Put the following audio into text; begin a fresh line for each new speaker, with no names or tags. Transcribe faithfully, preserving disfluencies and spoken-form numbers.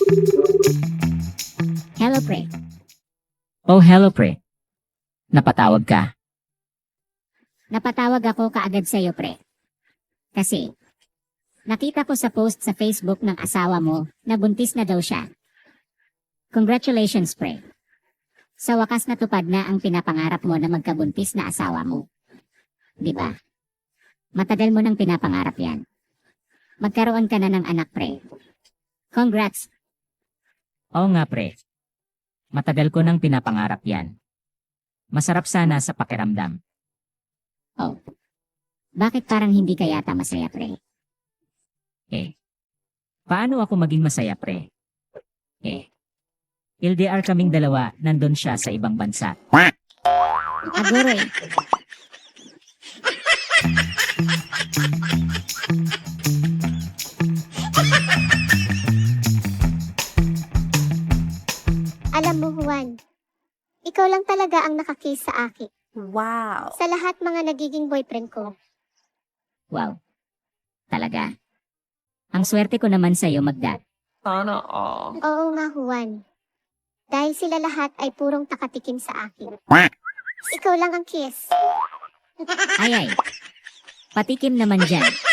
Hello, pre.
Oh, hello pre. Napatawag ka.
Napatawag ako kaagad sa'yo, pre. Kasi, nakita ko sa post sa Facebook ng asawa mo na buntis na daw siya. Congratulations, pre. Sa wakas natupad na ang pinapangarap mo na magkabuntis na asawa mo. Di ba? Matagal mo nang pinapangarap yan. Magkaroon ka na ng anak, pre. Congrats.
Oo nga pre. Matagal ko nang pinapangarap yan. Masarap sana sa pakiramdam.
Oh. Bakit parang hindi ka yata masaya, pre?
Eh. Paano ako maging masaya pre? Eh. L D R kaming dalawa, nandun siya sa ibang bansa.
Aguro eh.
Alam mo, Juan, ikaw lang talaga ang nakakiss sa akin.
Wow.
Sa lahat mga nagiging boyfriend ko.
Wow. Talaga. Ang swerte ko naman sa'yo, Magda.
Sana all.
Oo nga, Juan. Dahil sila lahat ay purong takatikim sa akin. Ikaw lang ang kiss.
Ay ay. Patikim naman dyan.